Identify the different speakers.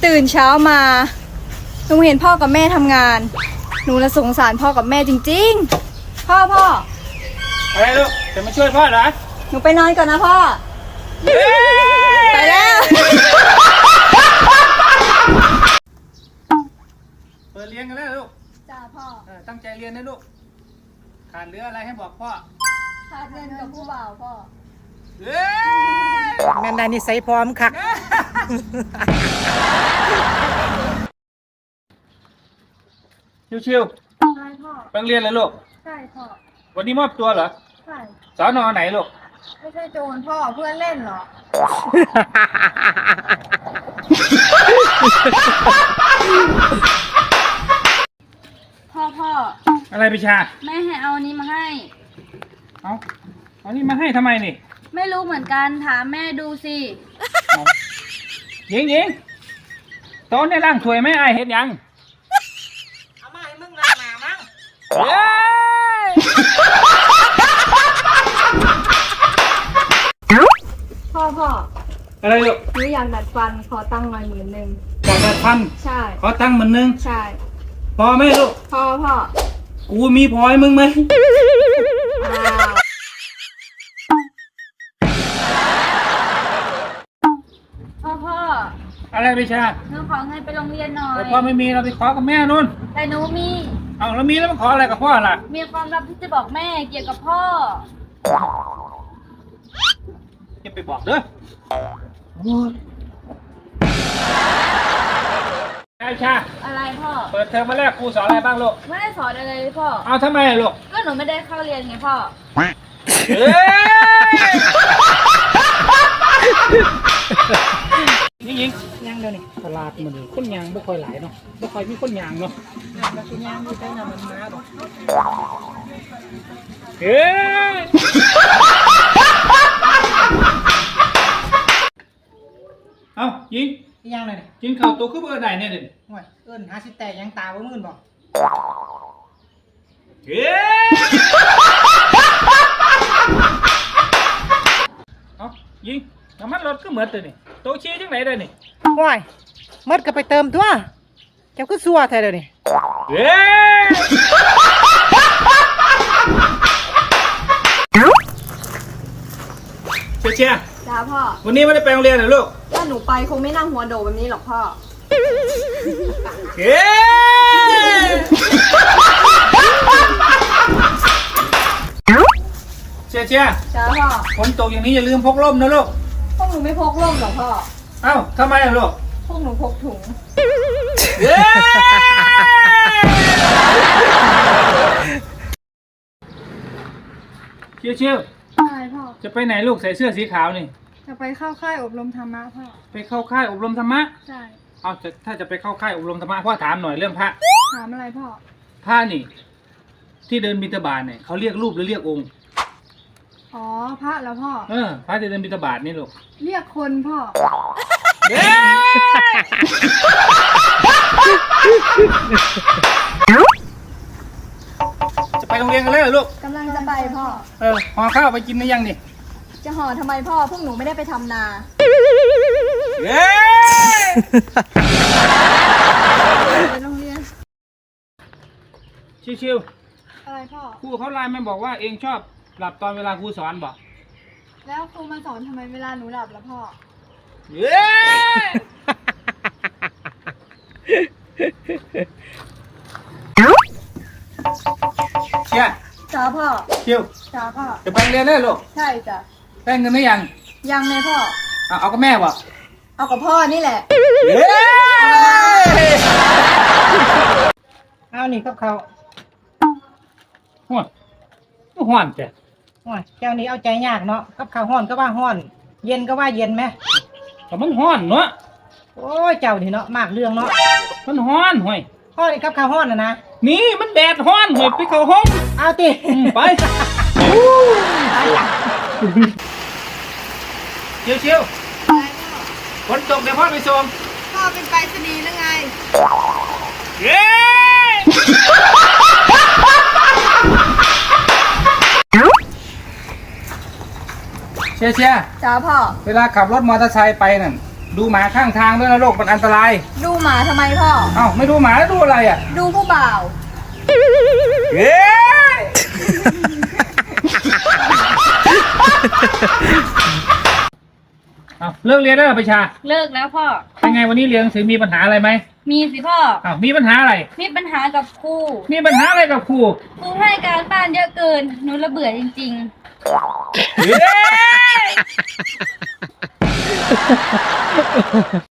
Speaker 1: ตื่นเช้ามาหนูเห็นพ่อกับแม่ทำงานหนูละสงสารพ่อกับแม่จริงๆพ่อ
Speaker 2: อะไรลูกจะมาช่วยพ่อเหรอ
Speaker 1: หนูไปนอนก่อนนะพ่อไปแล้ว
Speaker 2: เปิดเรียนกันแล้วลูก
Speaker 1: จ้าพ่อ
Speaker 2: ตั้งใจเรียนนะลูกขาดเหลืออะไรให้บอกพ่อ
Speaker 1: ขาดเงินกับผู้บ่าวพ่อ
Speaker 3: แม่นได้นิสัยพร้อมค่ะ
Speaker 2: ชิว
Speaker 1: ใช่พ่อ
Speaker 2: ๆไปเรียนเลยลูก
Speaker 1: ใช่พ่อ
Speaker 2: วันนี้มอบตัวเหรอ
Speaker 1: ใช่
Speaker 2: สอนอไหนลูก
Speaker 1: ไม่ใช่โจรพ่อเพื่อนเล่นเหรอพ่อ
Speaker 2: อะไรพิชา
Speaker 1: แม่ให้เอาอันนี้มาให้
Speaker 2: เอานี่มาให้ทำไมนี่
Speaker 1: ไม่รู้เหมือนกันถามแม่ดูสิ
Speaker 2: ยิงโต๊ะในร่างถวยไม่อายเห็นยัง
Speaker 3: เอามาให้มึงล้างหน้ามั้ง
Speaker 1: พ่อ
Speaker 2: อะไรลูก
Speaker 1: หนูอยากดัดฟันขอตั้งหน่อย10,000
Speaker 2: อยากดัดฟัน
Speaker 1: ใช่
Speaker 2: ขอตั้ง10,000
Speaker 1: ใช่
Speaker 2: พอไหมลูก
Speaker 1: พ่อ
Speaker 2: กูมีพอให้มึงไหม
Speaker 1: พ่อ
Speaker 2: อะไรพิชา
Speaker 1: หนูขอเงินไปโรงเรียนหน่อย
Speaker 2: แต่พ่อไม่มีเราไปขอกับแม่นู่น
Speaker 1: แต่หนูมี
Speaker 2: เอาแล้วมีแล้วมาขออะไรกับพ่อล่ะ
Speaker 1: มีความลับที่จะบอกแม่เกี่ยวกับพ่อ
Speaker 2: อย่าไปบอกเด้อไอ้ชา
Speaker 1: อะไรพ่อ
Speaker 2: เปิดเทอมมาแรกครูสอนอะไรบ้างลูก
Speaker 1: ไม่ได้สอนอะไรเลยพ่อ
Speaker 2: เอาทำไมลูก
Speaker 1: ก็หนูไม่ได้เข้าเรียนไงพ่อ
Speaker 2: ยิง
Speaker 3: ยังเดี๋ยวนี้ตลาดมันคนยางไม่ค่อยหลายเนาะไม่ค่อยมีคนยางเนาะแล้วคนยางมีแต่น้ำมันมาหรอก
Speaker 2: เอายิง
Speaker 3: ยังเลย
Speaker 2: กินข้าวตัวคือเบอร์ไหนเนี่ยเด่น
Speaker 3: โอ้ยเอิ้นหาสิแตกยังตาบ่มื่นบ่
Speaker 2: เอายิงน้ำมันรถก็เหมือนตัวนี่โตชี้จังไหนเลยนี่
Speaker 3: โอ้ยมดก็ไปเติมตัวเจ้าก็ซัวแท้เดี๋ยวนี้
Speaker 2: เชีย
Speaker 1: จ้าพ่อ
Speaker 2: วันนี้ไม่ได้ไปโรงเรียนเหรอลูก
Speaker 1: ถ้าหนูไปคงไม่นั่งหัวโดแบบนี้หรอกพ่อ
Speaker 2: เชีย
Speaker 1: จ้าพ่อ
Speaker 2: ฝนตกอย่างนี้อย่าลืมพกร่มนะลูก
Speaker 1: พวกหนูไม่พกร่มหรอกพ่อ
Speaker 2: เอ้าทำไมลูก
Speaker 1: พวกหนูพกถุง
Speaker 2: เชียว
Speaker 1: ใช่พ่อ
Speaker 2: จะไปไหนลูกใส่เสื้อสีขาวนี่
Speaker 1: จะไปเข้าค่ายอบรมธรรมะพ่อ
Speaker 2: ไปเข้าค่ายอบรมธรรมะ
Speaker 1: ใช่
Speaker 2: เอาถ้าจะไปเข้าค่ายอบรมธรรมะพ่อถามหน่อยเรื่องพระ
Speaker 1: ถามอะไรพ่อ
Speaker 2: พระนี่ที่เดินบิณฑบาตเนี่ยเขาเรียกรูปหรือเรียกองค์
Speaker 1: อ๋อพระแล้วพ่อ
Speaker 2: พระที่เดินบิณฑบาตนี่ลูก
Speaker 1: เรียกคนพ่อ
Speaker 2: จะไปโรงเรียนกันแล้วเหรอลูก
Speaker 1: กำลังจะไปพ่อ
Speaker 2: ห่อข้าวไปกินหรือยังนี่
Speaker 1: จะห่อทำไมพ่อพวกหนูไม่ได้ไปทำนาไปโรงเรียน
Speaker 2: ชิว
Speaker 1: อะไรพ่อ
Speaker 2: ครูเขาไลน์มาบอกว่าเองชอบหลับตอนเวลาครูสอนบอก
Speaker 1: แล้วครูมาสอนทำไมเวลาหนูหลับล่ะพ่อ
Speaker 2: เชีย
Speaker 1: จ้าพ่อ
Speaker 2: ชิว
Speaker 1: จ้าพ่อ
Speaker 2: จะไปเรียนได้ลูก
Speaker 1: ใช่จ้ะ
Speaker 2: ได้เงินหรือยัง
Speaker 1: ยังเลยพ่อ
Speaker 2: เอากับแม่บอก
Speaker 1: เอากับพ่อนี่แหละ
Speaker 3: เอานี่กับเขา
Speaker 2: ห้อนจ้ะ
Speaker 3: เจ้านี้เอาใจยากเนาะกับข้าวห้อนก็ว่าห้อนเย็นก็ว่าเย็นไหม
Speaker 2: แต่มันห้อนเนาะ
Speaker 3: โอ้ยเจ้านี่เนาะมากเรื่องเนาะ
Speaker 2: มันห้อนห่วย
Speaker 3: ห้อนนี่กับข้าวห้อนนะ
Speaker 2: นี่มันแดดห้อนห่วยไปเข้าห้อง
Speaker 3: เอาติ
Speaker 2: ไปชิวฝนตกเดี๋ยวพ่อไปส่ง
Speaker 1: พ่อเป็นไปรษณีย์หรือไง
Speaker 2: เชีย
Speaker 1: จ้าพ่อ
Speaker 2: เวลาขับรถมอเตอร์ไซค์ไปนั่นดูหมาข้างทางด้วยนะลูกมันอันตราย
Speaker 1: ดูหมาทำไมพ่อ
Speaker 2: เอ้าไม่ดูหมาแล้วดูอะไรอ่ะ
Speaker 1: ดูผู้บ่าว
Speaker 2: เฮ้ยเอาเลิกเรียนได้หรอประชา
Speaker 4: เลิกแล้วพ่อ
Speaker 2: เป็นไงวันนี้เรียนหนังสือมีปัญหาอะไรไหม
Speaker 4: มีสิพ่อ
Speaker 2: อ้าวมีปัญหาอะไร
Speaker 4: มีปัญหากับครู
Speaker 2: มีปัญหาอะไรกับครู
Speaker 4: ครูให้การบ้านเยอะเกิน หนูระเบื่อจริงๆ
Speaker 2: เฮ้ย